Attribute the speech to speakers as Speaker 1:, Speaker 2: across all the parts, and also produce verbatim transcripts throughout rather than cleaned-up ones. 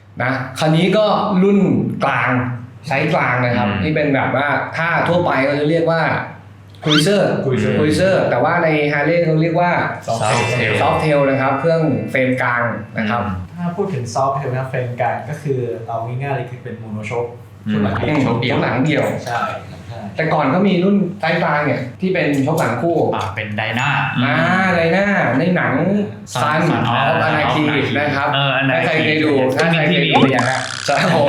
Speaker 1: นะคันนี้ก็รุ่นกลางไซส์กลางนะครับที่เป็นแบบว่าถ้าทั่วไปเขาจะเรียกว่าคุยเซอร์คุยเซอร์แต่ว่าใน Harley เขาเรียกว่าซอฟต์เทลนะครับเครื่องเฟรมกลางนะครับ
Speaker 2: ถ้าพูดถึงซอฟต์เทลนะเฟรมกลางก็คือเอาง่ายๆเลยคือเป็นโมโนโชค
Speaker 1: ชุดหลังเดียวชุดหลังเดียว
Speaker 2: ใช่
Speaker 1: แต่ก่อนก็มีรุ่นไซส์กลางเนี่ยที่เป็นชกหลังคู่
Speaker 3: อ่าเป็นไดนา
Speaker 1: อ่าไดนาในหนังซันออฟอนาคีนะครับถ้าใครเคยดูถ้าใครเคยดูอย่างนั้นจะผม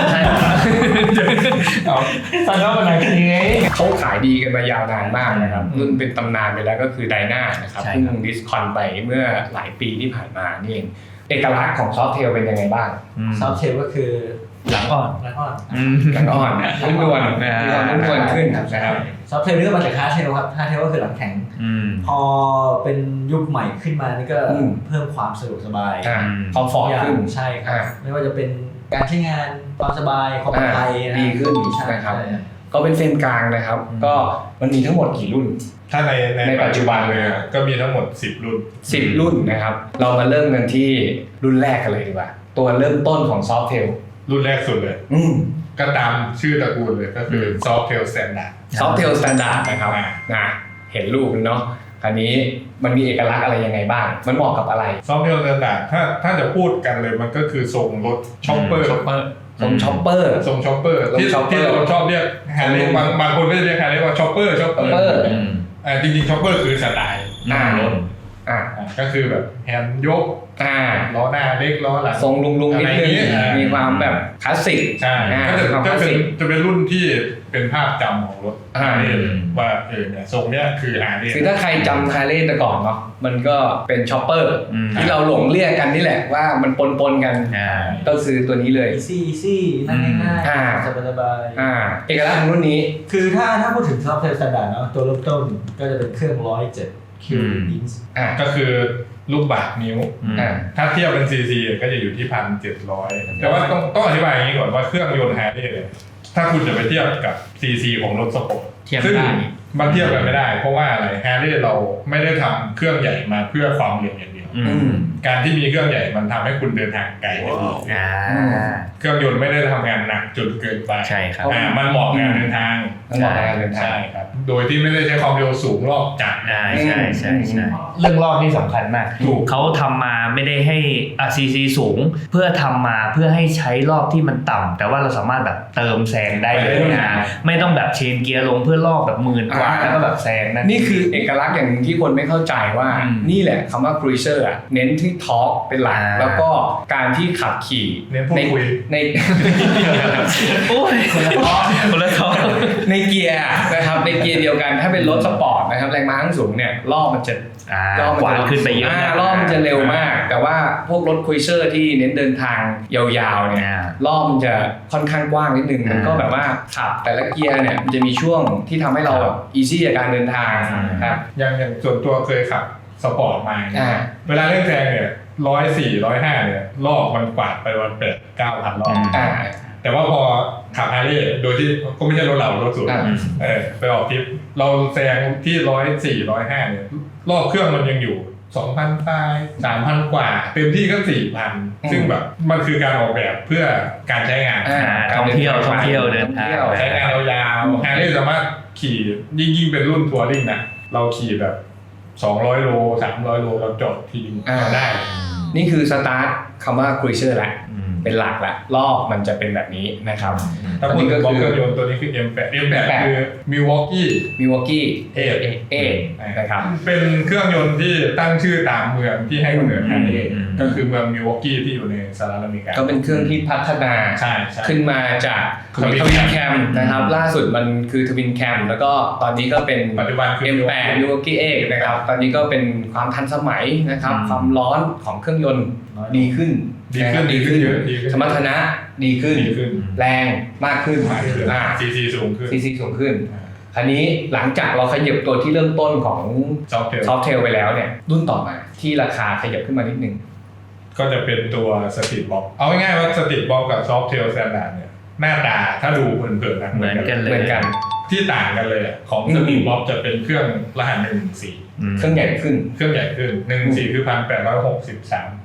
Speaker 2: ซันออฟอนาคี
Speaker 1: เขาขายดีกันมายาวนานมากนะครับรุ่นเป็นตำนานไปแล้วก็คือไดนานะครับเพิ่งดิสคอนไปเมื่อหลายปีที่ผ่านมานี่เองเอกลักษณ์ของซอฟต์เทลเป็นยังไงบ้าง
Speaker 2: ซอฟต์เทลก็คือ
Speaker 3: หลังอ่อน
Speaker 2: หลังอ่อน
Speaker 1: หลังอ่อนนุ่มนวลมีความนุ่มนวลขึ้นนะครับ
Speaker 2: ซอฟต์เทลนี่ก็มาจากฮาร์ดเทลครับฮาร์ดเทลก็คือหลังแข็งพอเป็นยุคใหม่ขึ้นมานี่ก็เพิ่มความสะดวกสบาย
Speaker 1: คอมฟอร์ตขึ้น
Speaker 2: ใช่ครับไม่ว่าจะเป็นการใช้งานความสบายความปลอดภัย
Speaker 1: ดีขึ้นนะครับก็เป็นเส้นกลางนะครับก็มันมีทั้งหมดกี่รุ่น
Speaker 4: ถ้าในในปัจจุบันเลยก็มีทั้งหมดสิบรุ่น
Speaker 1: สิบรุ่นนะครับเรามาเริ่มกันที่รุ่นแรกกันเลยดีกว่าตัวเริ่มต้นของซอฟต์เทล
Speaker 4: รุ่นแรกสุดเลยก็ตามชื่อตระกูลเลยก็คือ Softail Standard
Speaker 1: Softail Standard นะครับนะเห็นรูปเนาะคันนี้มันมีเอกลักษณ์อะไรยังไงบ้างมันเหมาะกับอะไร
Speaker 4: Softail Standard ถ้าถ้าจะพูดกันเลยมันก็คือทรงรถช็อปเปอร์
Speaker 1: ทรงช็อปเปอร์
Speaker 4: ทรงช็อปเปอร์ที่ที่เราชอบเรียกแฮร์รี่บางบางคนก็เรียกแฮร์รี่ว่าช็อปเปอร์ช็อปเปอร์อ่าจริงๆช็อปเปอร์คือสไตล์หน้ารถอ่าก็คือแบบแฮนด์ยกอ่าล้อหน้าเล็กล้อหลัง
Speaker 1: ทรงลุงๆนิดนึงมีความแบบคลาสสิก
Speaker 4: ใช่ก็จะก็เป็นจะเป็นรุ่นที่เป็นภาพจำของรถฮาร์เลย์ว่าเออเนี่ยทรงเนี้ยคือฮาร์เลย์
Speaker 1: คือถ้าใครจำฮาร์เลย์แต่ก่อนเนาะมันก็เป็นช็อปเปอร์ที่เราหลงเรียกกันนี่แหละว่ามันปนๆกันก็คือตัวนี้เลย
Speaker 2: easy easy นั่งง่ายๆสบาย
Speaker 1: ๆอ่าเอกลักษณ์ของรุ่นนี้
Speaker 2: คือถ้าถ้าพูดถึง Softail Standard เนาะตัวเริ่มต้นก็จะเป็นเครื่องหนึ่งร้อยเจ็ดคิวบินส์
Speaker 4: อ่าก็คือลูกบาศก์นิ้วถ้าเทียบเป็น ซี ซี ก็จะอยู่ที่ หนึ่งพันเจ็ดร้อย แต่ว่าต้องต้องอธิบายอย่างนี้ก่อนว่าเครื่องยนต์ Harley เนี่ยถ้าคุณจะไปเทียบกับ ซี ซี ของรถสปอร์ตซึ่งมันเทียบกันไม่ได้เพราะว่าอะไร Harley เราไม่ได้ทำเครื่องใหญ่มาเพื่อความเร็วอย่างเดียวการที่มีเครื่องใหญ่มันทำให้คุณเดินทางไกลได้ดีเครื่องยนต์ไม่ได้ทำงานหนักจนเกินไป
Speaker 3: ใช่ครับ
Speaker 4: มันเหมาะงานเดินทาง
Speaker 1: มันเหมาะงานเดินทาง
Speaker 4: ใช่ครับโดยที่ไม่ได้ใช้ความเร็วสูงรอบจัด
Speaker 3: ใช่ใช่ใช่ใช่เรื่องรอบนี่สำคัญมากเขาทำมาไม่ได้ให้อ่ะ ซี ซี สูงเพื่อทำมาเพื่อให้ใช้รอบที่มันต่ำแต่ว่าเราสามารถแบบเติมแซงได้เลยนะไม่ต้องแบบเชนเกียร์ลงเพื่อรอบแบบหมื่นกว่าแล้วก็แบบแซงนั่น
Speaker 1: นี่คือเอกลักษณ์อย่างนึงที่คนไม่เข้าใจว่านี่แหละคำว่า cruiser อ่ะเน้นที่ทอร์กเป็นหลักแล้วก็การที่ขับขี่
Speaker 4: ใน
Speaker 1: ใน
Speaker 3: โอ้ยคนละท้อคนละท้อ
Speaker 1: ในเกียร์นะครับในเกียร์เดียวกันถ้าเป็นรถสปอร์ตนะครับแรงม้าสูงเนี่ยรอบมันจะ
Speaker 3: รอบมันขึ้นไปเยอะ
Speaker 1: รอบมันจะเร็วมากแต่ว่าพวกรถคุยเซอร์ที่เน้นเดินทางยาวๆเนี่ยรอบมันจะค่อนข้างกว้างนิดนึงมันก็แบบว่าขับแต่ละเกียร์เนี่ยมันจะมีช่วงที่ทำให้เราแบบอีซี่กับการเดินทางครับ
Speaker 4: อย่างอย่างส่วนตัวเคยขับสปอร์ตมาเวลาเร่งแซงเนี่ยร้อยสี่ร้อยห้าเนี่ยรอบมันกวาดไปวันแปดเก้าพันรอบแต่ว่าพอขับฮาร์เลย์โดยที่ก็ไม่ใช่รถเรารถสูงเออไปออกทริปเราแซงที่ร้อยสี่ร้อยห้าเนี่ยรอบเครื่องมันยังอยู่สองพันปลายสามพันกว่าเต็มที่ก็สี่พันซึ่งแบบมันคือการออกแบบเพื่อการใช้งาน
Speaker 3: ท่องเที่ยวท่องเที่ยวเดินทาง
Speaker 4: ใช้งานยาวๆฮาร์เลย์สามารถขี่ยิ่งยิ่งเป็นรุ่นทัวริ่งนะเราขี่แบบสองร้อยโลสามร้อยโลเราจอดทีนึงได้
Speaker 1: นี่คือสตาร์ทคำว่า cruiser แหละเป็นหลักแหละรอบมันจะเป็นแบบนี้นะครับ
Speaker 4: ตอนนี้ก็คือเครื่องยนต์ตัวนี้คือ เอ็ม แปด เอ็ม แปด คือ Milwaukee
Speaker 1: Milwaukee
Speaker 4: เอ
Speaker 1: เอนะครับ
Speaker 4: เป็นเครื่องยนต์ที่ตั้งชื่อตามเมืองที่ให้กำเนิดฮาร์เลย์ก็คือเมือง Milwaukee ที่อยู่ในสหรัฐอเมริกา
Speaker 1: ก็เป็นเครื่องที่พัฒนาขึ้นมาจากทวินแคมนะครับล่าสุดมันคือทวินแคมแล้วก็ตอนนี้ก็เป็น
Speaker 4: ปัจจุบันคือ
Speaker 1: เอ็ม แปด Milwaukee เอนะครับตอนนี้ก็เป็นความทันสมัยนะครับความร้อนของเครื่องยนต์ดีขึ้น
Speaker 4: ดีขึ้นดีขึ้นเยอะ
Speaker 1: สมรรถนะดีขึ้นแรงมากขึ้น
Speaker 4: อ่า ซี ซี สูงขึ้น
Speaker 1: ซี ซี สูงขึ้นคราวนี้หลังจากเราขยับตัวที่เริ่มต้นของ Softail ไปแล้วเนี่ยรุ่นต่อมาที่ราคาขยับขึ้นมานิดนึง
Speaker 4: ก็จะเป็นตัว Street Bob เอาง่ายๆว่า Street Bob กับ Softail Standard เนี่ยหน้าตาถ้าดูเผินๆนะ
Speaker 3: เหมือนกันเลย
Speaker 1: เหมือนกัน
Speaker 4: ที่ต่างกันเลยของ Street Bob จะเป็นเครื่องรหัสหนึ่งหนึ่งสี่
Speaker 1: เครื่องใหญ่ขึ้น
Speaker 4: เครื่องใหญ่ขึ้นหนึ่งหนึ่งสี่คือ หนึ่งพันแปดร้อยหกสิบสาม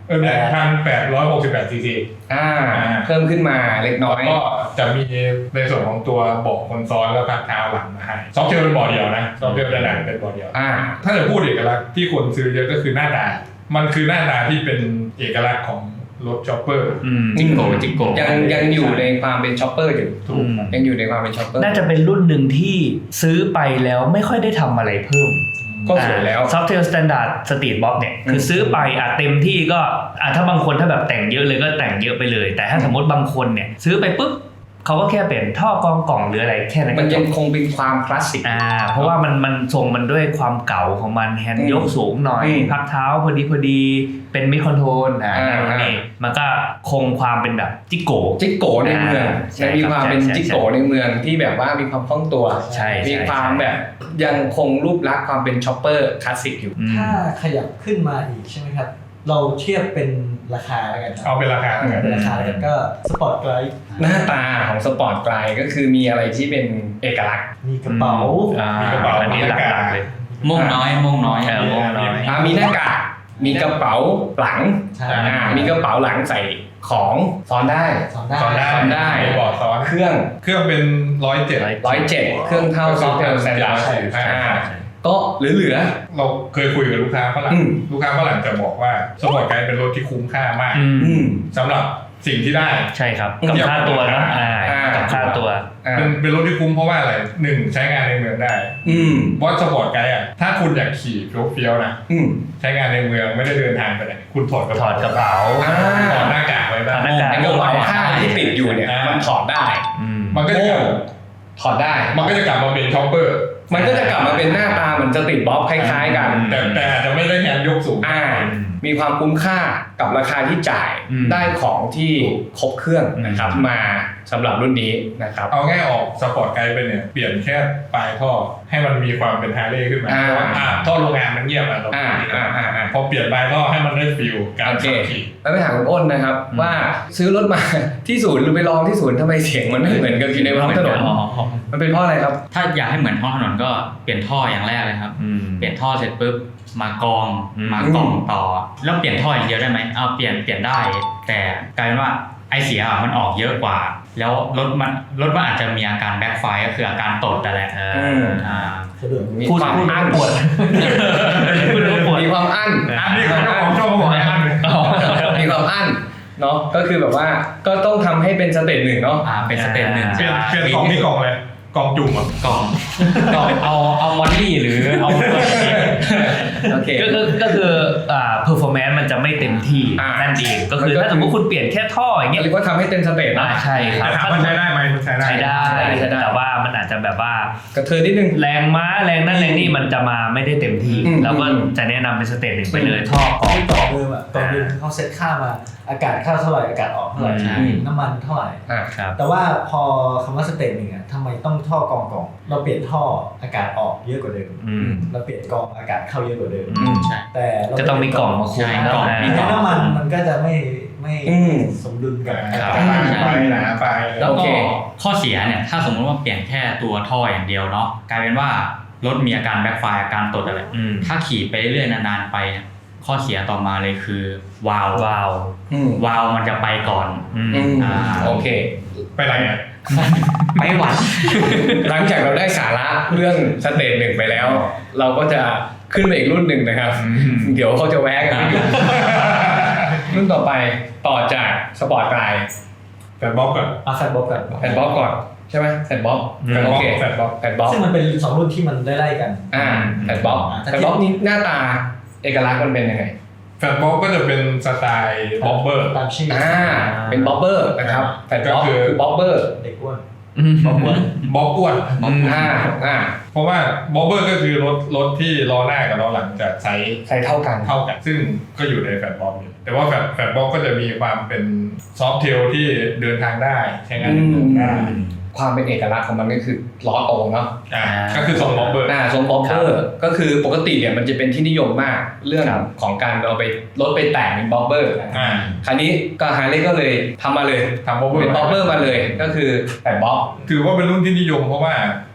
Speaker 4: เออหนึ่งพันแปดร้อยหกสิบแปดซีซี
Speaker 1: อ่าเพิ่มขึ้นมาเล็กน้อย
Speaker 4: ก็จะมีในส่วนของตัวเบาะคนซ้อนแล้วพักเท้าหลังมาให้ซอฟต์เทลเป็นเบาะเดียวนะซอฟต์เทลด้านหลังเป็นเบาะเดียว
Speaker 1: อ่า
Speaker 4: ถ้าจะพูดเอกลักษณ์ที่คนซื้อเยอะก็คือหน้าตามันคือหน้าตาที่เป็นเอกลักษณ์ของรถช็อปเปอร์
Speaker 3: จิกโกจิกโก
Speaker 1: ยังยังอยู่ในความเป็นช็อปเปอร์อยู่ถูกยังอยู่ในความเป็นช็อปเปอร์
Speaker 3: น่าจะเป็นรุ่นหนึ่งที่ซื้อไปแล้วไม่ค่อยได้ทำอะไรเพิ่ม
Speaker 1: ก็สวยแล้ว
Speaker 3: Softail Standard Street Box เนี่ยคือซื้อไปอ่ะเต็มที่ก็อ่ะถ้าบางคนถ้าแบบแต่งเยอะเลยก็แต่งเยอะไปเลยแต่ถ้าสมมติบางคนเนี่ยซื้อไปปุ๊บเขาก็แค่เปลี่ยนท่อกองกล่องหรืออะไรแค่นั้น
Speaker 1: มันยังคงเป็นความคลาสสิก
Speaker 3: อ่าเพราะว่ามันมันทรงมันด้วยความเก่าของมันแฮนด์ยกสูงหน่อยพักเท้าพอดีพอดีเป็นมิดคอนโทรลอ่านี่มันก็คงความเป็นแบบจิโก
Speaker 1: จิโกในเมืองยังมีความเป็นจิโกในเมืองที่แบบว่ามีความคล่องตัวมีความแบบยังคงรูปลักษณ์ความเป็นช็อปเปอร์คลาสสิกอยู่
Speaker 2: ถ้าขยับขึ้นมาอีกใช่ไหมครับเราเทียบเป็นราคาแล้วกัน
Speaker 4: เอาเป็นราคา
Speaker 2: เป็นราคาแล้วกันก็สปอร์ตไกด์
Speaker 1: หน้าตาของสปอร์ตไกด์ก็คือมีอะไรที่เป็นเอกลักษณ์
Speaker 2: มีกระเป๋า
Speaker 3: มีกระเป๋าอันนี้หลักๆเลย
Speaker 5: ม่วงน้อยม่วงน้อย
Speaker 3: เออม่วงน้อย
Speaker 1: มีหน้ากากมีกระเป๋าหลังมีกระเป๋าหลังใส่ของซ้อนได้
Speaker 2: ซ้อนได้
Speaker 1: ซ้อนได้
Speaker 4: บอร์ดซ้อน
Speaker 1: เครื่อง
Speaker 4: เครื่องเป็นร้อยเจ็ด
Speaker 1: ร้อยเจ็ดเครื่องเท่าซอฟต์แวร์สแตนดาร์ดก็เหลือ
Speaker 4: ๆเราเคยคุยกับลูกค้าฝรั่งลูกค้าฝรั่งจะบอกว่าสปอร์ตไกด์เป็นรถที่คุ้มค่ามากสำหรับสิ่งที่ได้
Speaker 3: ใช่ครับกับค่าตัวนะกับค่าตัว
Speaker 4: เป็นเป็นรถที่คุ้มเพราะว่าอะไรหนึ่งใช้งานในเมืองได้เพราะสปอร์ตไกด์อ่ะถ้าคุณอยากขี่เฟี้ยวๆนะใช้งานในเมืองไม่ได้เดินทางไปไหนคุณถอดกระเป๋า
Speaker 3: ถอดกระเป๋า
Speaker 4: ถอดหน้ากากไว้ได้
Speaker 1: หน้ากากกระเป๋าผ้าที่ติดอยู่เนี่ยมันถอดได้
Speaker 4: มันก็จะ
Speaker 1: ถอดได้
Speaker 4: มันก็จะกลับมาเป็นช็อปเปอร์
Speaker 1: มันก็จะกลับมาเป็นหน้าตาเหมือนจะติดบ๊อบคล้ายๆกัน
Speaker 4: แต่แต่อาจจะไม่ได้แฮนด์ยกสูง
Speaker 1: อ่ามีความคุ้มค่ากับราคาที่จ่ายได้ของที่ครบเครื่องนะครับมาสำหรับรุ่นนี้นะครับ
Speaker 4: เอาง่ายออกสปอร์ตไกด์ไปเนี่ยเปลี่ยนแค่ปลายท่อให้มันมีความเป็นฮาร์เลย์ขึ้นมาเพราะว่าท่อโรงงานมันเงียบอ่ะพอเปลี่ยนปลายท่อให้มันได้ฟีลการขับขี่
Speaker 1: แล้วไปถามคุณอ้นนะครับว่าซื้อรถมาที่ศูนย์หรือไปลองที่ศูนย์ทำไมเสียงมันไม่เหมือนกับอยู่ในท้องถนนมันเป็นเพราะอะไรครับ
Speaker 5: ถ้าอยากให้เหมือนท้องถนนก็เปลี่ยนท่ออย่างแรกเลยครับเปลี่ยนท่อเสร็จปุ๊บมากองมากล่องต่อแล้วเปลี่ยนท่ออย่างเดียวได้ไหมเอาเปลี่ยนเปลี่ยนได้แต่กลายเป็นว่าไอเสียมันออกเยอะกว่าแล้วรถมันรถมันอาจจะมีอาการแบ็คไฟร์ก็คืออาการตดแต่แหละ
Speaker 1: อ่ามีความอั้นปวดมีความอั้น
Speaker 4: อันนี้เขาของชอบบอกอั้น
Speaker 1: มีความอั้นเนาะก็คือแบบว่าก็ต้องทำให้เป็นสเตจหนึ่งเนาะ
Speaker 5: อ่าเป็นสเตจหนึ่ง
Speaker 4: เปลี่ยนเปลี่ยนกล่องนี่กล่องเลยกล่องจุ่มอ่ะ
Speaker 5: กล่องกล่องเอาเอามอลลี่หรือเอา
Speaker 3: โอเคก็คือก็คืออ่า performance มันจะไม่เต็มที่นั่นเองก็คือถ้าสมมติคุณเปลี่ยนแค่ท่ออย่างเงี้ย
Speaker 1: หรือว่าทำให้เต็มสเตจนะ
Speaker 3: ใช่ครับ
Speaker 4: ถ้ามันใช้ได้ไหมมันใช้ได้
Speaker 3: ใช้ได้แต่ว่ามันอาจจะแบบว่าก
Speaker 1: ระเทือนนิดนึง
Speaker 3: แรงม้าแรงนั่นแรงนี่มันจะมาไม่ได้เต็มที่เราก็จะแนะนำเป็นสเตจหนึ่งไปเลยท่อกล่อง
Speaker 2: ต่อเดิมอ่ะต่อเดิมเขาเซตค่ามาอากาศเข้าเท่าไหร่อากาศออกเท่าไหร่น้ำมันเท่าไหร่แต่ว่าพอคำว่าสเตจหนึ่งอ่ะทำไมต้องท่อกองกองเราเปลี่ยนท่ออากาศออกเยอะกว่าเดิมเราเปลี่ยนกองอากาศเข้าเยอะกว่าเดิมแต่
Speaker 3: จะต้องมีกล่องมาคุม
Speaker 2: กล่องมีน้ำมันมันก็จะไม่ไม่สมดุลกัน
Speaker 4: ไปนะไป
Speaker 5: แล้วก็ข้อเสียเนี่ยถ้าสมมติว่าเปลี่ยนแค่ตัวท่ออย่างเดียวเนาะกลายเป็นว่ารถมีอาการแบ็คไฟร์อาการตดอะไรถ้าขี่ไปเรื่อยนานๆไปข้อเสียต่อมาเลยคือวาล์ว
Speaker 3: วาล์ว
Speaker 5: วาล์วมันจะไปก่อน
Speaker 1: อ่าโอเค
Speaker 4: ไปไหนอ่ะ
Speaker 5: ไม่หวัด
Speaker 1: หลังจากเราได้สาระเรื่องสเตจหนึ่งไปแล้วเราก็จะขึ้นไปอีกรุ่นหนึ่งนะครับเดี๋ยวเขาจะแวะกันไม่หยุดรุ่นต่อไปต่อจากสปอร์ตไกด์
Speaker 4: แฟนบ๊อบก่อน
Speaker 2: อ่ะแฟนบ๊อบก่อน
Speaker 1: แฟนบ๊อบก่อนใช่ไหมแฟนบ๊อบโอเค
Speaker 4: แฟนบ๊อบ
Speaker 1: แฟนบ๊อบ
Speaker 2: ซึ่งมันเป็นสองรุ่นที่มันไล่ๆกัน
Speaker 1: อ่าแฟนบ๊อบแฟนบ๊อบนี่หน้าตาเอกลักษณ์มันเป็นยังไง
Speaker 4: แฟนบ๊อบก็จะเป็นสไตล์บ๊อบเบอร์
Speaker 2: ตามชื่อ
Speaker 1: อ่าเป็นบ๊อบเบอร์นะครับแฟนบ๊อบคือบ๊อบเบอร์
Speaker 2: เด็กอ้วน
Speaker 4: บ๊อบอ้วนบ๊อบอ้วน
Speaker 1: อ่าอ่า
Speaker 4: เพราะว่าบ๊อบเบอร์ก็คือรถรถที่ล้อหน้ากับล้อหลังจะใช้
Speaker 1: ใช้เท่ากัน
Speaker 4: เท่ากันซึ่งก็อยู่ในแฟนบ๊อบอยู่แต่ว่าแฟนแฟนบ๊อบก็จะมีความเป็นซอฟต์เทลที่เดินทางได้ใช้งานได้
Speaker 1: ความเป็นเอกลักษณ์ของมันก็คือล้อโตเนาะ
Speaker 4: อ่าก็คือทรงบ๊อบเบอร์
Speaker 1: อ่าทรงบ๊อบเบอร์ก็คือปกติเนี่ยมันจะเป็นที่นิยมมากเรื่องของการเอาไปรถไปแต่งเป็นบ๊อบเบอร์อ่าคราวนี้ก็ฮาร์เลย์ก็เลยทำมาเลย
Speaker 4: ทำบ๊อบเบอร์
Speaker 1: เป็นบ๊อบเบอร์มาเลยก็คือแต่บ๊อบ
Speaker 4: ถือว่าเป็นรุ่นที่นิยมเพราะว่า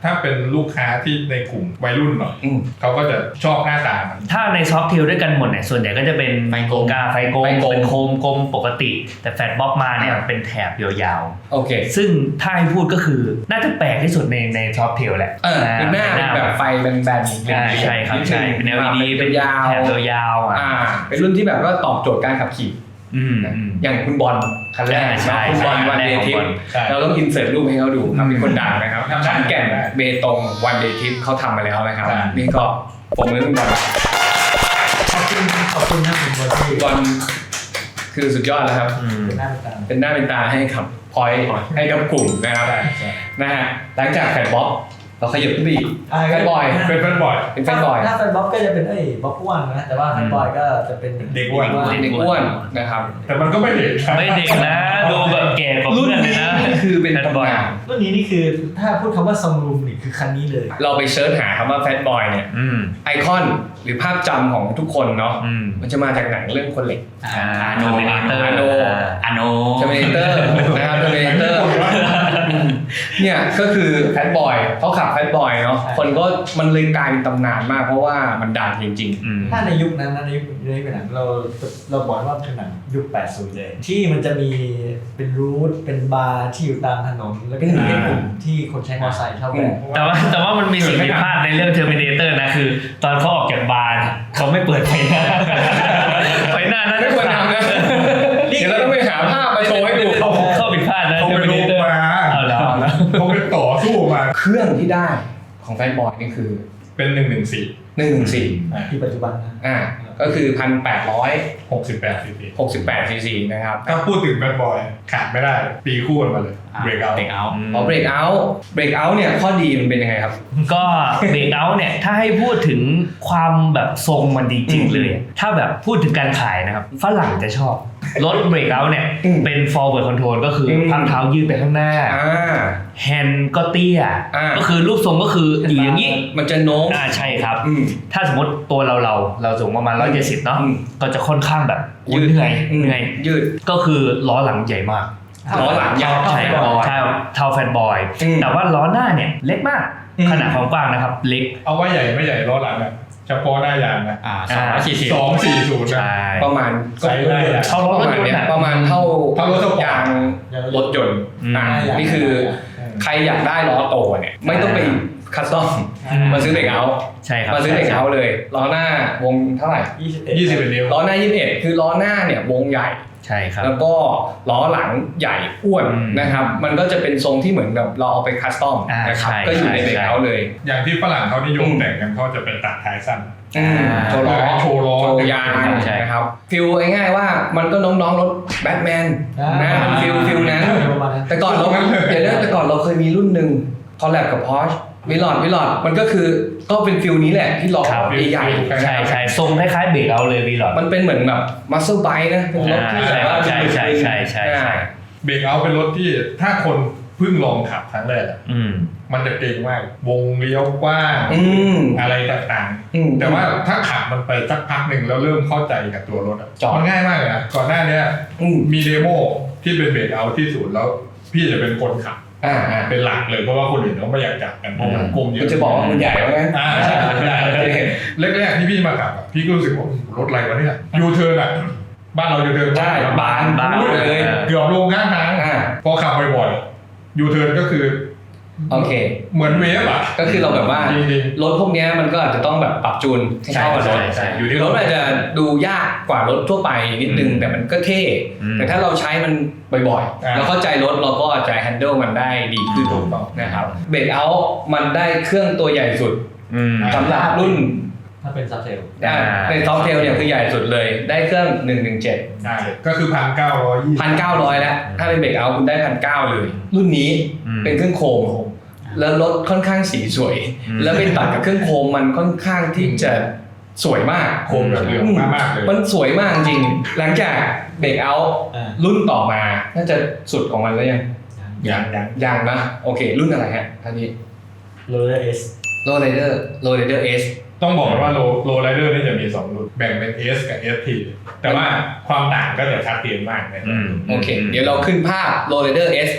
Speaker 4: ถ้าเป็นลูกค้าที่ในกลุ่มวัยรุ่นหน่อยเขาก็จะชอบหน้าตามัน
Speaker 3: ถ้าในซอฟต์เทลด้วยกันหมดเนี่ยส่วนใหญ่ก็จะเป็นไฟกลมกาไฟกลมเป็นโคมกลมปกติแต่แฟตบ็อกมาเนี่ยเป็นแถบยาวๆ
Speaker 1: โอเค
Speaker 3: ซึ่งถ้าให้พูดก็คือน่าจะแปลกที่สุดในในซอฟต์เทลแหละ
Speaker 1: เออเป็นหน้าแบบไฟเป็นแบน
Speaker 3: ใช่ครับใช่เป็น แอล อี ดี เป็นยาวแถบยาวอ่ะ
Speaker 1: เป็นรุ่นที่แบบว่าตอบโจทย์การขับขี่อย่างคุณบอลคันแรกคุณบอลวันเดย์ทริปเราต้องอินเสิร์ตรูปให้เขาดูครับเป็นคนดังนะครับขอนแก่นเบตงวันเดย์ทริปเขาทำมาแล้วนะครับนี่ก็ผมเล่นคุณบอล
Speaker 2: ขอบคุณขอบคุณนะคุณบอลที่
Speaker 1: บอลคือสุดยอดแล้วครับเป็นหน้าเป็นตาให้กับพอยให้กับกลุ่มนะครับนะฮะหลังจากแฟนบ๊อบเราขยับขึ้นไปอีกแฟนบอย
Speaker 4: เป็นแฟนบอย
Speaker 1: เป็นแฟนบอย
Speaker 2: ถ้าแฟนบ๊อบก็จะเป็นไอ้บ๊อบอ้วนนะแต่ว่าแฟนบอยก็จะเป็น
Speaker 4: เด็กอ้วน
Speaker 1: เด็กอ้วนนะครับ
Speaker 4: แต่มันก็ไม่เด็ก
Speaker 3: ไม่เด็กนะดูแบบแก่กว่าเพื่อนเลยนะ
Speaker 1: คือเป็นแฟนบอย
Speaker 2: รุ่นนี้นี่คือถ้าพูดคำว่าซัมรูมนี่คือคันนี้เลย
Speaker 1: เราไปเซิร์ชหาคำว่าแฟนบอยเนี่ยไอคอนหรือภาพจำของทุกคนเนาะมันจะมาจากหนังเรื่องคนเหล็ก
Speaker 3: อาโนเมเตอร์
Speaker 1: อาโน
Speaker 3: อาโน
Speaker 1: เทอร์มิเนเตอร์นะครับเทอร์มิเนเตอร์เนี่ยก็คือแฟนบอยเขาขับแฟนบอยเนาะคนก็มันเลยกลายเป็นตำนานมากเพราะว่ามันดังจริง
Speaker 2: ๆถ้าในยุคนั้นนะในยุคนี้เป็นหนังเราเราบอกว่าเป็นหนังยุคแปดสิบเลยที่มันจะมีเป็นรูทเป็นบาร์ที่อยู่ตามถนนแล้วก็มีกลุ่มที่คนใช้มอเตอร์ไซค์ชอบแบบ
Speaker 3: แต่ว่าแต่ว่ามันมีสิ่งผิดพลาดในเรื่อง Terminator นะคือตอนเขาออกจากบาร์เขาไม่เปิดไฟหน้าไฟหน้านั้น
Speaker 1: ไม่ควรทำนะเดี๋ยวเราต้องไปหาภาพมาโชว์ให้ดู
Speaker 3: เข้าผิดพลาดนะ
Speaker 4: Terminator มาเขาเป็นต่อสู้มา
Speaker 1: เครื่องที่ได้ของแฟนบอยนี่คือ
Speaker 4: เป็นหนึ่งหนึ่งสี่
Speaker 1: หนึ่งหนึ่งสี่
Speaker 2: ที่ปัจจุบันนะ
Speaker 1: อ่าก็คือพันแปดร้อย
Speaker 4: หกสิบแปดซีซี
Speaker 1: หกสิบแปดซีซีนะครับ
Speaker 4: ถ้าพูดถึงแฟนบอยขาดไม่ได้ตีคู่กันมาเลยเบรกเอาท์
Speaker 5: เบรกเอาท์
Speaker 1: อ๋อเบรกเอาท์เบรกเอาท์เนี่ยข้อดีมันเป็นยังไงครับ
Speaker 3: ก็เบรกเอาท์เนี่ยถ้าให้พูดถึงความแบบทรงมันดีจริงเลยถ้าแบบพูดถึงการขายนะครับฝรั่งจะชอบรถเบรกเอาท์เนี่ยเป็น forward control ก็คือพักเท้ายืดไปข้างหน้าแฮนด์ก็เตี้ยก็คือรูปทรงก็คืออยู่อย่างนี้
Speaker 1: มันจะโน้ม
Speaker 3: อ่าใช่ครับถ้าสมมติตัวเราเราเราสูงประมาณหนึ่งร้อยเจ็ดสิบเนาะก็จะค่อนข้างแบบยืดเหนื่อยเหนื่อย
Speaker 1: ยืด
Speaker 3: ก็คือล้อหลังใหญ่มาก
Speaker 1: ล้อหลังยาว
Speaker 3: ใช่ใช่เท่าแฟนบอยแต่ว่าล้อหน้าเนี่ยเล็กมากขนาดความกว้างนะครับเล็ก
Speaker 4: เอาว่าใหญ่ไม่ใหญ่ล้อหลังอ่ะเฉพาะหน้ายางนะ
Speaker 5: อ่าสองร้อยสี่สิบ
Speaker 4: สองสี่ศูนย์นะ
Speaker 1: ประมาณ
Speaker 4: ไซส์ได้
Speaker 1: เท่ารถประมาณเนี้ยประมาณเท่าเท่ารถยางรถยนต์อ่านี่คือใครอยากได้ล้อโตเนี่ยไม่ต้องไปคัสตอมมาซื้อเบรกเอาท์
Speaker 3: ใช่ครับ
Speaker 1: มาซื้อเบรกเอาท์เลยล้อหน้าวงเท่าไหร่
Speaker 4: ยี่สิบเอ็ดนิ้ว
Speaker 1: ล้อหน้ายี่สิบเอ็ดคือล้อหน้าเนี่ยวงใหญ่
Speaker 3: ใช่ครับ
Speaker 1: แล้วก็ล้อหลังใหญ่อ้วนนะครับมันก็จะเป็นทรงที่เหมือนกับเราเอาไปคัสตอมนะครับก็อยู่ในเบรกเอาท์เลย
Speaker 4: อย่างที่ฝรั่งเขานิยมแต่งกันเขาจะเป็นตัดท้ายสั้น
Speaker 1: โชว์ล้อ
Speaker 4: โชว์ล้อ
Speaker 1: โชว์ยางนะครับฟิลง่ายๆว่ามันก็น้องๆรถแบทแมนนะฟิลฟิลนั้นแต่ก่อนเราเดี๋ยวแต่ก่อนเราเคยมีรุ่นหนึ่งคอลแลบกับ Porsche วิลอดวิลอดมันก็คือก็เป็นฟิลนี้แหละที่ล้อใหญ่
Speaker 3: ใช่ใช่ทรงคล้ายๆเบรกเอาเลยวิลอด
Speaker 1: มันเป็นเหมือนแบบมัสเซิลไบค์นะเป็นรถที่แบบว่า
Speaker 3: ใช่ใช่ใช่ใช่ใช่
Speaker 4: เบรกเอาเป็นรถที่ถ้าคนเพิ่งลองขับครั้งแรกมันจะเก่งมากวงเลี้ยวกว้างอะไรต่างๆแต่ว่าถ้าขับมันไปสักพักหนึ่งแล้วเริ่มเข้าใจกับตัวรถมันง่ายมากเลยนะก่อนหน้านี้มีเดโมที่เป็นเบรกเอาที่ศูนย์แล้วพี่จะเป็นคนขับ
Speaker 1: อ่า
Speaker 4: เป็นหลักเลยเพราะว่าคนอื่นเขาไม่อยากจับกันเพราะมันกลมเยอะ
Speaker 1: จะบอกว่ามันใหญ่ว่างั้น
Speaker 4: อ่าใช่ใช่แรกๆที่พี่มาขับพี่ก็รู้สึกว่ารถอะไรวะเนี่ยยูเทิร์นอ่ะบ้านเรายูเทิร์น
Speaker 1: ใช่บานบานเลย
Speaker 4: เกือบลงข้างทางพอขับบ่อยๆยูเทิร์นก็คือ
Speaker 1: โอเค
Speaker 4: เหมือนเวฟอ่ะ
Speaker 1: ก็คือเราแบบว่ารถพวกนี้มันก็อาจจะต้องแบบปรับจูนให้เข้ากับรถอยู่ที่รถอาจจะดูยากกว่ารถทั่วไปนิดนึงแต่มันก็เท่แต่ถ้าเราใช้มันบ่อยๆเราเข้าใจรถเราก็จะ handle มันได้ดีขึ้นถูกต้องนะครับเบรกเอาท์มันได้เครื่องตัวใหญ่สุดสำหรับรุ่น
Speaker 2: ถ้าเป็นซอฟเทล
Speaker 1: เป็นซอฟเทลเนี่ยคือใหญ่สุดเลยได้เครื่องหนึ่งหนึ่งเจ็ด
Speaker 4: ก็คือพันเก้าร้อยยี่
Speaker 1: พันเก้าร้อยแล้วถ้าเป็นเบรกเอาท์คุณได้พันเก้าเลยรุ่นนี้เป็นเครื่องโคมแล้วรถค่อนข้างสีสวยแล้วไปตัดกับเครื่องโคมมันค่อนข้างที่จะสวยมาก
Speaker 4: โคมแบบเหลืองมากเลย
Speaker 1: มันสวยมากจริงหลังจากเบรกเอาท์รุ่นต่อมาน่าจะสุดของมันแล้วยัง
Speaker 4: ยังยัง
Speaker 1: ยังนะโอเครุ่นอะไรฮะท่านนี้
Speaker 2: Roller S
Speaker 1: Roller Roller S
Speaker 4: ต้องบอกว่าโลโลไรเดอร์นี่จะมีสองรุ่นแบ่งเป็น S กับ เอส ที แต่ว่าความต่างก็จะชัดเจนมากนะ
Speaker 1: โอเคเดี๋ยวเราขึ้นภาพ Roller S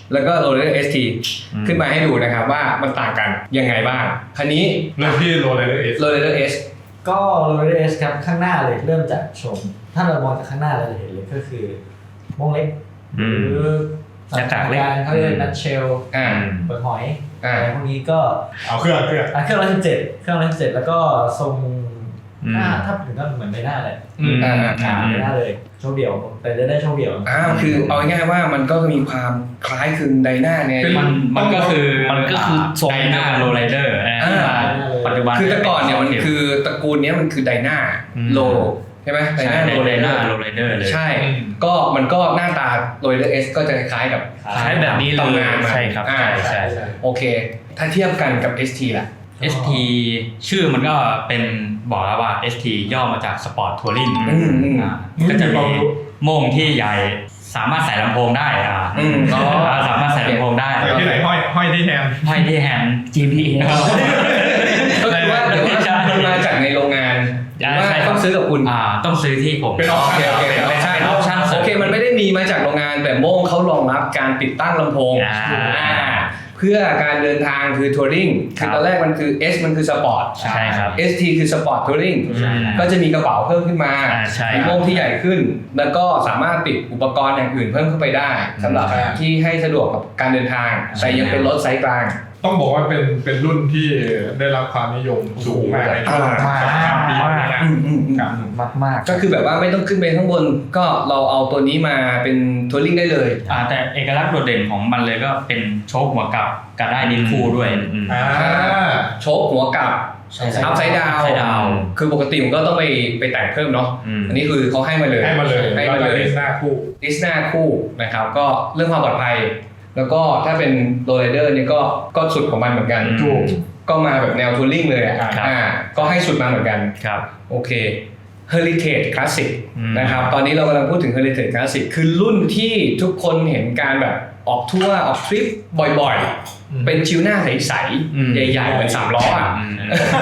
Speaker 1: แล้วก็ Low Rider เอส ที ขึ้นมาให้ดูนะครับว่ามันต่างกันยังไงบ้างคันนี้
Speaker 4: เริ่มที่ Low Rider S
Speaker 1: Low Rider S
Speaker 2: ก็ Low Rider S ครับข้างหน้าเลยเริ่มจากชมถ้าเรามองจากข้างหน้าเราจะเห็นเลยก็คือมงเล็กหรือ
Speaker 3: หน้ากากเล็ก
Speaker 2: เขาเรียกนัทเชล
Speaker 1: อ่า
Speaker 2: เปิดหอย
Speaker 1: อ่า
Speaker 2: อะไรพวกนี้ก็
Speaker 4: เอาเครื่องเครื่อง
Speaker 2: อ่ะเครื่องร้อยสิบเจ็ดเครื่องร้อยสิบเจ็ดแล้วก็ทรง
Speaker 3: อืม
Speaker 2: หน้าถ้าถึงก็เหมือนใบหน้าเลย
Speaker 4: อืม
Speaker 1: อ่า
Speaker 2: อ่าใบหน้าเลยโชว์เดี่ยวแต่จะได้โชว์เดี่ยว
Speaker 1: อ่าคือเอาง่ายๆว่ามันก็มีความคล้ายคลึงไดนาเนี่ย
Speaker 4: เป็น
Speaker 5: มันมันก็คือ
Speaker 3: มันก็คือทรง
Speaker 5: ไดนาโรไลเดอร์
Speaker 1: อ่า
Speaker 5: ปัจจุบัน
Speaker 1: คือแต่ก่อนเนี่ยมันคือตระกูลเนี้ยมันคือไดนา
Speaker 3: อืม
Speaker 1: โลใช่ไหมได
Speaker 5: ใช่
Speaker 1: นาโล
Speaker 5: ได
Speaker 1: ได
Speaker 5: นา
Speaker 1: นา
Speaker 5: โรไลเดอร์เลย
Speaker 1: ใช่ ก็มันก็หน้าตาโรไดเดอร์เอสก็จะคล้ายๆกับ
Speaker 3: ใช้แบบนี้เลย
Speaker 1: ตำนานมา
Speaker 3: ใช่ครับ
Speaker 1: อ่า
Speaker 3: ใช่ใช่
Speaker 1: โอเค ถ้าเทียบกันกับ เอส ที ล่ะ
Speaker 5: เอส ที ชื่อมันก็เป็นบอกแล้วว่า เอส ที ย่อมาจาก Sport Touring
Speaker 1: อืมอืม
Speaker 5: อ่าก็จะมีโม่งที่ใหญ่สามารถใส่ลำโพงได้อ่า
Speaker 1: อืมอ๋อ
Speaker 5: สามารถใส่ลำโพงได้
Speaker 4: ใส่ที่ไหนห้อยห้อยที่แฮนด์
Speaker 5: ห้อยที่แฮนด์
Speaker 3: จี พี เอส
Speaker 1: ก็คือว่าเดี๋ยวว่ามันมาจากในโรงงานหรือว่า
Speaker 3: ใช่ครับ
Speaker 1: ต้องซื้อกับคุณ
Speaker 5: อ่าต้องซื้อที่ผม
Speaker 4: เป็นออป
Speaker 1: โอเค
Speaker 4: ชั่น
Speaker 1: โอเคไม่ใช่
Speaker 5: เป็น option
Speaker 1: โอเคมันไม่ได้มีมาจากโรงงานแต่โม่งเขารองรับการติดตั้งลำโพง
Speaker 3: อ่า
Speaker 1: อ่าเพื่อการเดินทางคือทัวริง
Speaker 3: ครั
Speaker 1: คื
Speaker 3: บ
Speaker 1: อตอนแรกมันคือ S มันคือสปอร์ต
Speaker 3: ใช่ครับ
Speaker 1: เอส ที คือสปอร์ตทัวริง
Speaker 5: ใช่
Speaker 1: ก็จะมีกระเป๋าเพิ่มขึ้นมา
Speaker 3: อ่าใช่
Speaker 1: มีโม่งที่ใหญ่ขึ้น แล้วก็สามารถติดอุปกรณ์อย่างอื่นเพิ่มเข้าไปได้สำหรับ
Speaker 4: ใช่
Speaker 1: ที่ให้สะดวกกับการเดินทาง แต่ยังเป็นรถไซส์กลาง
Speaker 4: ต้องบอกว่าเป็นเป็นรุ่นที่ได้รับความนิยมสูงมากในช่วง
Speaker 1: อ่า
Speaker 4: สองสามปีนี้นะ
Speaker 1: อืมอืมอืม
Speaker 4: ครับ
Speaker 3: มากมากๆ
Speaker 1: ก็คือแบบว่าไม่ต้องขึ้นไปข้างบน ก็เราเอาตัวนี้มาเป็นทัวริงได้เลย
Speaker 5: อ่าแต่เอกลักษณ์โดดเด่นของมันเลยก็เป็นโชคหัวกลับกับได้ดินคู่ด้วย
Speaker 3: อืม
Speaker 4: อ่า
Speaker 1: โชคหัวกลับ
Speaker 2: ใช่
Speaker 1: อัพไซด์ดาว
Speaker 5: Upside down
Speaker 1: คือปกติมันก็ต้องไปไปแต่งเพิ่มเนาะ
Speaker 3: อืม
Speaker 1: อันนี้คือเขาให้มาเลย
Speaker 4: ให้มาเลย
Speaker 1: ให้มาเลย
Speaker 4: หน้าคู่
Speaker 1: ดิสนาคู่นะครับ ก็เรื่องความปลอดภัย แล้วก็ถ้าเป็นโรลไรเดอร์นี่ก็ก็สุดของมันเหมือนกัน
Speaker 3: ถูก
Speaker 1: ก็มาแบบแนวทัวริงเลยอ่ะ
Speaker 3: ครับ
Speaker 1: อ่าก็ให้สุดมาเหมือนกัน
Speaker 3: ครับ
Speaker 1: โอเค Heritage Classic
Speaker 3: อืม
Speaker 1: นะครับ ตอนนี้เรากำลังพูดถึง Heritage Classic คือรุ่นที่ทุกคนเห็นการแบบออกทัวร์ออกทริปบ่อยๆ เป็นชิวหน้าใส
Speaker 3: อืม
Speaker 1: ๆ ใหญ่ๆเหมือนสามล้ออ่ะ
Speaker 3: อืม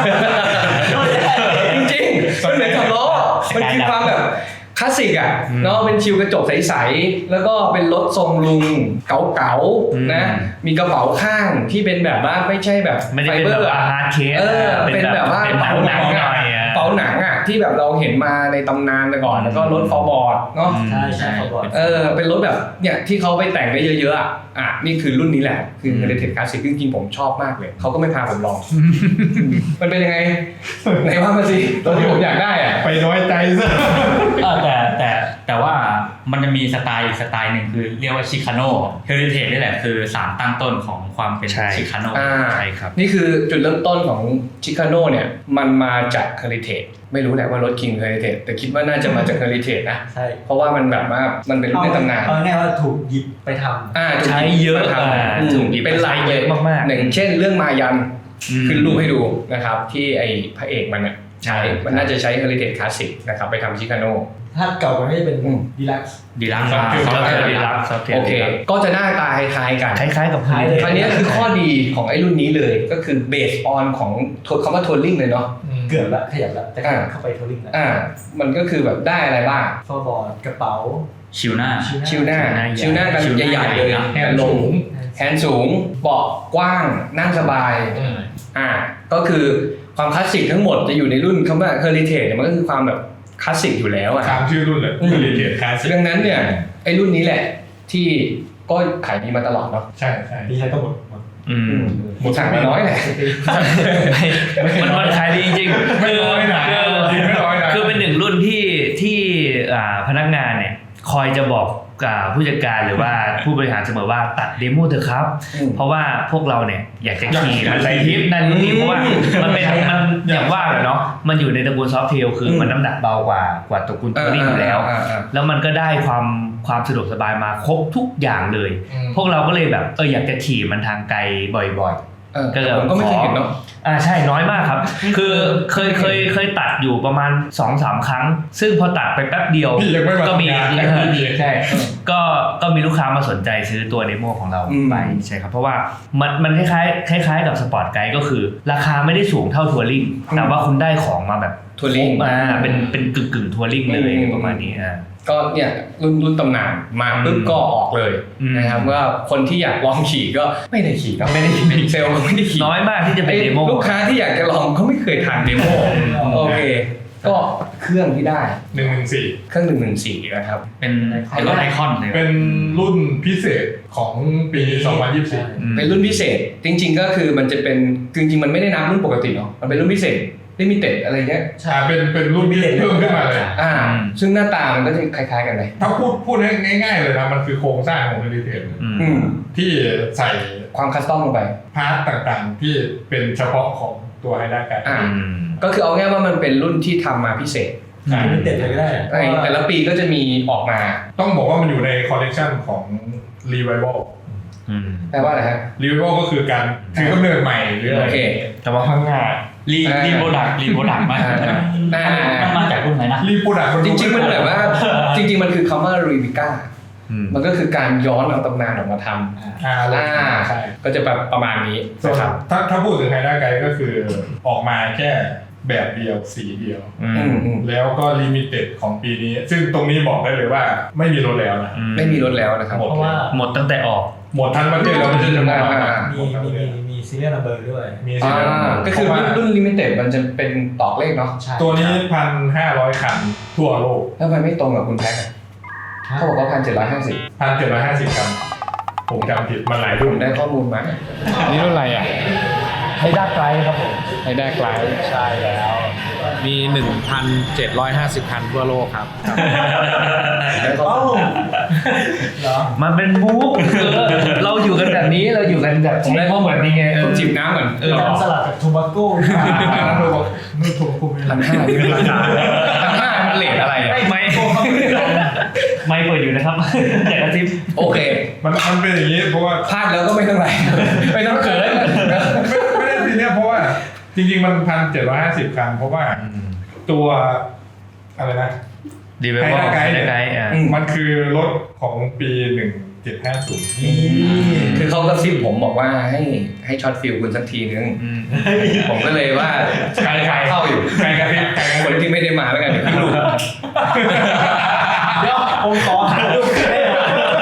Speaker 1: จริงๆมันเหมือนสามล้อมันคือความแบบคลาสสิกอ่ะ
Speaker 3: อืม
Speaker 1: เนาะเป็นชิวกระจกใสๆแล้วก็เป็นรถทรงลุงเก๋า
Speaker 3: อืม
Speaker 1: ๆนะมีกระเป๋าข้างที่เป็นแบบว่าไม่ใช่แบบ
Speaker 3: ไม่ได้
Speaker 1: ไฟ
Speaker 3: เป็น
Speaker 1: เบอ
Speaker 3: แบบ
Speaker 1: ร์
Speaker 3: อา
Speaker 1: อะ
Speaker 3: ฮาร์ดเคส
Speaker 1: เออเป็นแบบว่า
Speaker 3: เป็นหนังหนังหน่อยอะ
Speaker 1: เป๋าหนังอ่ะที่แบบเราเห็นมาในตำนานแต่ก่อนแล้วก็รถฟอร์บอร์ดเนาะ
Speaker 3: อืม
Speaker 2: ใช่ใช่เขาบอก
Speaker 1: เออเป็นรถแบบเนี่ยที่เขาไปแต่งได้เยอะๆอ่ะอ่ะนี่คือรุ่นนี้แหละคือ
Speaker 3: อืม
Speaker 1: Heritage Classic จริงๆผมชอบมากเลยเขาก็ไม่พาผมลอง มันเป็นยังไงไหนว่ามาสิตัวที่ผมอยากได้อ่ะ
Speaker 4: ไปน้อยใจซะ
Speaker 5: เออแต่แต่แต่ว่ามันจะมีสไตล์อีกสไตล์หนึ่งคือเรียกว่าชิคาโน่เฮริเทจนี่แหละคือสารตั้งต้นของความเป็น
Speaker 3: ใช่
Speaker 5: ชิคาโน่
Speaker 1: อ่า
Speaker 3: ใช่ครับ
Speaker 1: นี่คือจุดเริ่มต้นของชิคาโน่เนี่ยมันมาจาก Heritage ไม่รู้แหละว่ารถ King Heritage แต่คิดว่าน่าจะมาจาก Heritage นะ
Speaker 2: ใช่
Speaker 1: เพราะว่ามันแบบว่ามันเป็นรุ่นในตำนาน
Speaker 2: เอาง่ายๆว่าถูกหยิบไปทำ
Speaker 1: อ่าถูก
Speaker 3: ใช้
Speaker 1: หบ
Speaker 3: เยอะ
Speaker 1: มาทำ
Speaker 3: อ่า
Speaker 1: อืม
Speaker 3: ถูกหยิบ
Speaker 1: เป็นหลายเลย
Speaker 3: มากๆ
Speaker 1: หนึ่งเช่นเรื่องมายัน
Speaker 3: อืม
Speaker 1: ขึ้นรูปให้ดูนะครับที่ไอ้พระเอกมันเนี่ย
Speaker 3: ใช่
Speaker 1: มันน่าจะใช้ Heritage Classic นะครับไปทำชิคาโน่
Speaker 2: ถ้าเก่ากว่านี้จะเป็น
Speaker 1: อืม
Speaker 2: ดีลักซ์
Speaker 5: ดีลักซ์
Speaker 4: ครับ
Speaker 5: ซอฟต์แวร์
Speaker 3: ดี
Speaker 5: ดี
Speaker 3: ลั
Speaker 5: ลั
Speaker 3: ก
Speaker 5: ก
Speaker 3: ซ์
Speaker 5: ซ์
Speaker 3: ซอฟต์แว
Speaker 1: โอ
Speaker 3: ร์
Speaker 1: เค ก็จะหน้าตาคล้ายๆกัน
Speaker 3: คล้ายๆกับ
Speaker 2: คล้ายเลย
Speaker 1: คราวนี้คือข้อดีของไอ้รุ่นนี้เลยก็คือเบสออนของคำว่าทัวริงเลยเนาะ
Speaker 2: เกือบละขยับละแต่
Speaker 1: อ่า
Speaker 2: เข้าไปทัวริงละ
Speaker 1: อ่ามันก็คือแบบได้อะไรบ้าง
Speaker 2: ฟอร์บอร์ดกระเป๋า
Speaker 5: ชิวหน้า
Speaker 1: ชิวหน้าชิวหน้ากัน
Speaker 5: ชิวหน้า
Speaker 1: ใหญ่ๆเลย
Speaker 5: ใหญ่นะ
Speaker 1: แฮนด์ลงแฮนด์สูงเบาะกว้างนั่งสบายอ่าก็คือความคลาสสิกทั้งหมดจะอยู่ในรุ่นคำว่า Heritage เนี่ยมันก็คือความแบบคลาสสิกอยู่แล้วอ่ะ
Speaker 4: ตามชื่อรุ่นเลย
Speaker 1: อืม
Speaker 4: เฮริเทจคลาสสิก
Speaker 1: ดังนั้นเนี่ยไอ้รุ่นนี้แหละที่ก็ขายดีมาตลอดเนาะ
Speaker 4: ใช่ใช่
Speaker 2: ดีใช้ก็หมดหมด
Speaker 3: อืม
Speaker 1: หมดสั่งไม่น้อยแหละ
Speaker 3: มันมันขายดีจริงๆ
Speaker 4: ไม่น้อยนะ
Speaker 3: คือ
Speaker 4: จริงไม่น้อยนะ
Speaker 3: คือเป็นหนึ่งรุ่นที่ที่อ่าพนักงานเนี่ยคอยจะบอกกับผู้จัดการหรือว่าผู้บริหารเสมอว่าตัดเดโมเถอะครับ
Speaker 1: อืม
Speaker 3: เพราะว่าพวกเราเนี่ยอยากจะขี่
Speaker 4: อยาก
Speaker 3: มันไปทริปนั่นนี่
Speaker 1: อืม
Speaker 3: เพราะว่ามันเป็นมันอย่างว่าแหละเนาะมันอยู่ในตระกูลซอฟต์เทลคืออ
Speaker 1: ม
Speaker 3: มันน้ำหนักเบากว่ากว่าตระกูลทัวริงอยู่แล้ว
Speaker 1: อ่าอ่า
Speaker 3: แล้วมันก็ได้ความความสะดวกสบายมาครบทุกอย่างเลย พวกเราก็เลยแบบเอออยากจะขี่มันทางไกลบ่อย
Speaker 1: เออ
Speaker 3: ก็เลย
Speaker 1: ผมก็ไม่เคยเห็นเนาะ
Speaker 3: ๆอ่าใช่น้อยมากครับ คือเคยเคยเคยตัดอยู่ประมาณ สองสาม ครั้ง ซึ่งพอตัดไปแป๊บเดียว
Speaker 4: พี่ยังไม่มา
Speaker 3: ก็มี
Speaker 4: ทำงาน
Speaker 3: เออใช่ก็ก็มีลูกค้ามาสนใจซื้อตัวเดโมของเรา
Speaker 1: อืม
Speaker 3: ไปใช่ครับเพราะว่ามันมันคล้ายๆคล้ายๆกับสปอร์ตไกด์ก็คือ ราคาไม่ได้สูงเท่าทัวริงแต่ว่าคุณได้ของมาแบบ
Speaker 1: ทัวริง
Speaker 3: อ่าเป็นเป็นกึ่งกึ่งทัวริงเลยประมาณนี้อ่า
Speaker 1: ก็เนี่ยรุ่นรุ่นตำนานมาปุ๊บก็ออกเลยนะครับว่าคนที่อยากลองขี่ก็ไม่ได้ขี่ก็ไม่ได้ขี่เซลล์ก็ไม่ได้ขี่
Speaker 3: น้อยมากที่จะเป็นเดโม
Speaker 1: ลูกค้าที่อยากจะลองเขาไม่เคยทานเดโมโอเคก็เครื่องที่ได้
Speaker 4: หนึ่งหนึ่งสี่
Speaker 1: เครื่องหนึ่งหนึ่งสี่นะครับ
Speaker 5: เป็นเป็นรถไอคอนเลย
Speaker 4: เป็นรุ่นพิเศษของปีสองพันยี่สิบสี่
Speaker 1: เป็นรุ่นพิเศษจริงๆก็คือมันจะเป็นจริงๆมันไม่ได้นับรุ่นปกติเนาะมันเป็นรุ่นพิเศษลิมิเต็ดอะไรเงี้ย
Speaker 4: ใช่เป็นเป็นรุ่นที่เพิ่มขึ้นมาเลย
Speaker 1: อ่าซึ่งหน้าตามันก็จะคล้ายๆกันเลย
Speaker 4: ถ้าพูดพูดง่ายๆเลยนะมันคือโครงสร้างของ Heritage
Speaker 1: อืม
Speaker 4: ที่ใส่
Speaker 1: ความคัสตอมลงไป
Speaker 4: พาร์ทต่างๆที่เป็นเฉพาะของตัวไฮด้าไกด์
Speaker 1: อ่าก็คือเอาง่ายว่ามันเป็นรุ่นที่ทำมาพิเศษ
Speaker 2: ลิมิเต็ดเลยก็ได้
Speaker 1: ในแต่ละปีก็จะมีออกมา
Speaker 4: ต้องบอกว่ามันอยู่ในคอลเลกชันของ Revival
Speaker 1: แปลว่าอะไรฮะ
Speaker 4: Revival ก็คือการถือกำเนิดใหม่หรืออะไร
Speaker 1: โอเค
Speaker 3: แต่ว่าข้างหน้า
Speaker 5: รีรีโปรดักรีโปรดักมา
Speaker 1: อ่า
Speaker 5: มันมาจากรุ่นไหนนะ
Speaker 4: รีโปรดักต์
Speaker 1: จริงๆมันแบบว่าจริงๆมันคือคำว่ารีวิก้ามันก็คือการย้อนเอาตำนานออกมาทำ
Speaker 4: อ่า
Speaker 1: อ่า
Speaker 4: ใช่
Speaker 1: ก็จะแบบประมาณนี้
Speaker 4: ส่วน
Speaker 1: นะครับ
Speaker 4: ถ้าถ้าพูดถึงไฮด้าไกด์ก็คือออกมาแค่แบบเดียวสีเดียว
Speaker 1: อืมอืม
Speaker 4: แล้วก็ลิมิเต็ดของปีนี้ ซึ่งตรงนี้บอกได้เลยว่าไม่มีรถแล้วนะ
Speaker 1: ไม่มีรถแล้วนะครับ
Speaker 4: หมด
Speaker 2: เพราะว่า
Speaker 3: หมดตั้งแต่ออก
Speaker 4: หมดทั้งประเทศแล้วไม่ใช่เฉพาะ
Speaker 1: อ่า
Speaker 2: มีมีมีมีซีเรียลนัมเบอร์ด้วย
Speaker 4: มีสิ
Speaker 1: อ่าก็คือรุ่นรุ่นลิมิเต็ดมันจะเป็นตอกเลขเนาะ
Speaker 2: ใช่
Speaker 4: ตัวนี้พันห้าร้อยคันทั่วโลก
Speaker 1: แล้วมันไม่ตรงกับคุณแพ็คอะเขาบอกว่าพันเจ็ดร้อยห้าสิบ
Speaker 4: พันเจ็ดร้อยห้าสิบคันผมจำผิดมันหลาย
Speaker 1: ผ
Speaker 4: รุ่น
Speaker 1: มได้ข้อมูลมา
Speaker 6: นี่รุ่นอะไรอ่ะ
Speaker 2: ให้ด้าไกลครับผม
Speaker 6: ไฮด้าไกล
Speaker 2: ใช่แล้ว
Speaker 6: มี หนึ่งพันเจ็ดร้อยห้าสิบ คันทั่วโลกครับ
Speaker 1: ได้ข้อ
Speaker 2: เอ้า
Speaker 1: มูล
Speaker 2: เหรอ
Speaker 3: มันเป็นมุกเราอยู่กันแบบนี้เราอยู่กันแบบ
Speaker 1: ผมได้ข้อมูล
Speaker 3: นี้ไงเอ
Speaker 1: ผม
Speaker 3: อ
Speaker 1: จิบน้ำก่อน
Speaker 2: การสลัดกับทูบาโก้
Speaker 4: แล้วดูบอกนี่ถูกคุม
Speaker 1: พันห้านี่เป็นราคาพันห้ามันเลทอะไรอะ
Speaker 3: ไม่ไม่ไม่เปิดอยู่นะครับอยากกระซิบ
Speaker 1: โอเค
Speaker 4: มันมันเป็นอย่างนี้เพราะว่า
Speaker 1: พลาดแล้วก็ไม่ต้องไรไม่ต้องเขิน
Speaker 4: ไม่ไม่ได้ทีเนี้ยเพราะว่าจริงๆมันพันเจ็ดร้อยห้าสิบคันเพราะว่าตัวอะไรนะ
Speaker 3: ดีเวลล์
Speaker 4: ไฮด้าไกด์
Speaker 3: ไกด์อ่ะ
Speaker 4: มันคือรถของปีหนึ่งเจ็ดห้าศูนย์
Speaker 1: คือเขากระซิบผมบอกว่าให้ให้ช็อตฟิลคุณสักทีนึง ผมก็เลยว่า
Speaker 4: ใครใคร
Speaker 1: เข้าอยู่
Speaker 4: ใครกระพริบใครกระ
Speaker 1: ค
Speaker 4: พ
Speaker 1: น
Speaker 4: ริบ
Speaker 1: ที่ไม่ได้มาแล้วกันเดี๋ยวพี่ดู
Speaker 2: เดี๋ยวผมขอหารูปให้หน่อย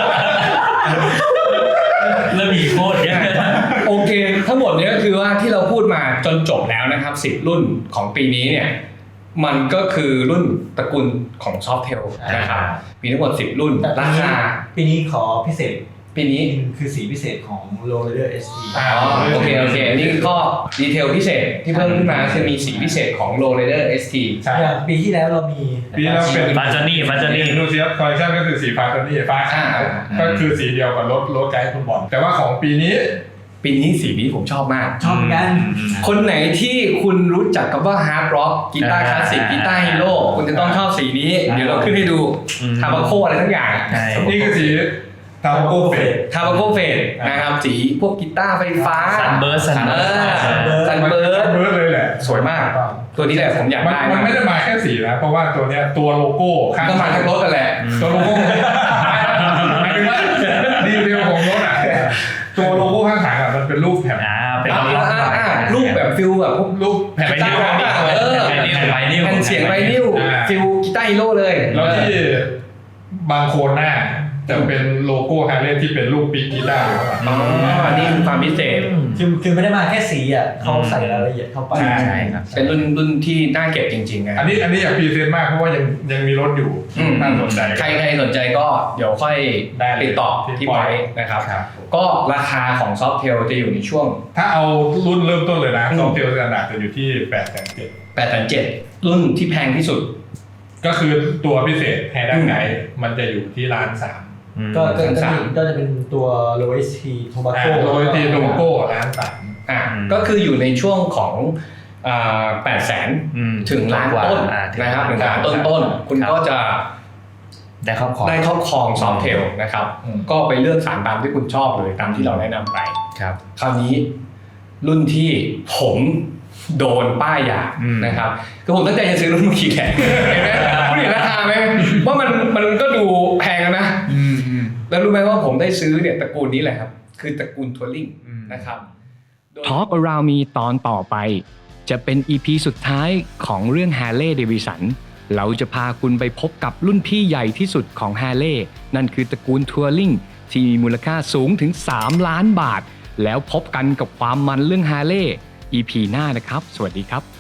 Speaker 5: เริ่มมีโคตรเยอะ
Speaker 1: โอเค ทั้งหมดเนี้ก็คือว่าที่เราพูดมาจนจบแล้วนะครับสิบรุ่นของปีนี้เนี่ยมันก็คือรุ่นตระกูลของซอฟเทลนะครับมีทั้งหมดสิบรุ่นราคา
Speaker 2: ปีนี้ขอพิเศษ
Speaker 1: ปีนี้
Speaker 2: คือสีพิเศษของ Low Rider เอส ที
Speaker 4: อ่า
Speaker 1: อ๋อโอเคโอเคอันนี้ก็ดีเทลพิเศษที่เพิ่มขึ้นมาคือมีสีพิเศษของ Low Rider เอส ที
Speaker 4: ใช่
Speaker 2: อย่างปีที่แล้วเรามี
Speaker 4: ปีแล้วเป็น
Speaker 3: ฟาจานี่ฟาจานี่
Speaker 4: ดูซิคอลเลคชันก็คือสีฟ้าตัวนี้ฟ้าขาวก็คือสีเดียวกับรถรถไกด์คุณบอลแต่ว่าของปีนี้
Speaker 1: ปีนี้สีนี้ผมชอบมาก
Speaker 2: ชอบกัน
Speaker 1: คนไหนที่คุณรู้จักกับว่าฮาร์ดร็อกกีตาร์คลาสสิกกีตาร์ฮีโร่คุณจะต้องชอบสีนี้ เดี๋ยวเราขึ้นให้ดูทาบาโคอะไรทั้งอย่าง
Speaker 3: ใช่
Speaker 4: นี่คือสีทาโกเฟส
Speaker 1: ทาบาโคเฟดนะครับสีพวกกีตาร์ไฟฟ้า
Speaker 3: ซันเบิร์ดซัน
Speaker 1: เอ
Speaker 3: เบิร์ด
Speaker 1: อซันเบิร์ด
Speaker 4: เบิร์ดเลยแหละ
Speaker 1: สวยมาก ตัวนี้แหละผมอยาก
Speaker 4: มัน
Speaker 1: ได้
Speaker 4: มัน
Speaker 1: มาก
Speaker 4: ไม่ได้มาแค่สีนะเพราะว่าตัวเนี้ยตัวโลโก้ข้าง
Speaker 1: ก็มาทั้งรถกันแหละ
Speaker 4: ตัวโลโก้หมายถึงว่าดีเทลของรถอ่ะตัวโลโก้ข้างหลังอ่ะมันเป็นรูปแผ่น
Speaker 3: อ่าเป็น
Speaker 1: อ่า
Speaker 3: รูป
Speaker 1: อ่าอ่ารูปแบบฟิลแบบพวก
Speaker 4: รูปแผ่น
Speaker 3: ไป
Speaker 4: กี
Speaker 3: นิ้ว
Speaker 4: ตาร์
Speaker 3: ไป
Speaker 1: เออ
Speaker 3: นิ้วไปนิ้ว
Speaker 1: แผ่นเสียงไวนิลฟิลกีตาร์ฮีโร่เลย
Speaker 4: แล้วที่บางโคนหน้าจะเป็นโลโก้ฮาร์เลย์ที่เป็นรูปปีกกีตาร์อยู่ข้างหลัง
Speaker 1: อ๋อนี่คือความพิเศษ
Speaker 2: คือคือไม่ได้มาแค่สีอ่ะเขาใส่รายละเอียดเข้าไป
Speaker 4: ใช่
Speaker 3: ใช่ครับ
Speaker 1: เป็นรุ่นรุ่นที่น่าเก็บจริงๆนะ
Speaker 4: อันนี้อันนี้อยากพรีเซนต์มากเพราะว่ายังยังมีรถอยู่
Speaker 1: อืม
Speaker 4: น่าสนใจ
Speaker 1: ใครใครสนใจก็เดี๋ยวค่อย
Speaker 4: ได้เลย
Speaker 1: ติดต่อ
Speaker 4: ที่
Speaker 1: ที่
Speaker 4: ปอ
Speaker 1: ไว้
Speaker 4: ย
Speaker 1: นะครับ
Speaker 4: ครับ
Speaker 1: ก็ราคาของซอฟเทลจะอยู่ในช่วง
Speaker 4: ถ้าเอารุ่นเริ่มต้นเลยนะซอฟต์เทลสแตนดาร์ดจะอยู่ที่แปดแสนเจ็ด
Speaker 1: แปด เจ็ด รุ่นที่แพงที่สุด
Speaker 4: ก็คือตัวพิเศษไฮด้าไกด์มันจะอยู่ที่ล้านสาม
Speaker 2: ก็ก็
Speaker 1: สาม
Speaker 2: ก็จะเป็นตัว Low เอส ที Tobacco
Speaker 4: โดยที่โลโก้ล้านสาม
Speaker 1: อ่ะก็คืออยู่ในช่วงของแปดแสน
Speaker 3: อืม
Speaker 1: ถึงล้านต้น
Speaker 3: อ่าถึง
Speaker 1: นะครับถึงล้าน
Speaker 4: ครับ
Speaker 1: ต้นต้นๆคุณ
Speaker 3: ครับ
Speaker 1: ก็จะ
Speaker 3: ได้ครอบครอง
Speaker 1: ได้ครอบครองซอฟเทลนะครับ
Speaker 4: อืม
Speaker 1: ก็ไปเลือกสารตามที่คุณชอบเลยตามที่เราแนะนำไป
Speaker 3: ครับ
Speaker 1: คราวนี้รุ่นที่ผมโดนป้ายยา
Speaker 3: อืม
Speaker 1: นะครับคือผมตั้งใจจะซื้อรุ่นมาขี่แข่งเห็นไหมคุณเห็นราคาไหมว่ามันมันก็ดูแพงนะ
Speaker 3: อืมอืม
Speaker 1: แล้วรู้ไหมว่าผมได้ซื้อเนี่ยตระกูลนี้แหละครับคือตระกูลทัวริงนะครับ
Speaker 6: Talk Around Me ตอนต่อไป
Speaker 1: จะเป็น อี พี สุดท้ายของเรื่อง Harley Davidson เราจะพาคุณไปพบกับรุ่นพี่ใหญ่ที่สุดของ Harley นั่นคือตระกูลทัวริงที่มีมูลค่าสูงถึงสามล้านบาทแล้วพบกันกับความมันเรื่อง Harley อี พี หน้านะครับสวัสดีครับ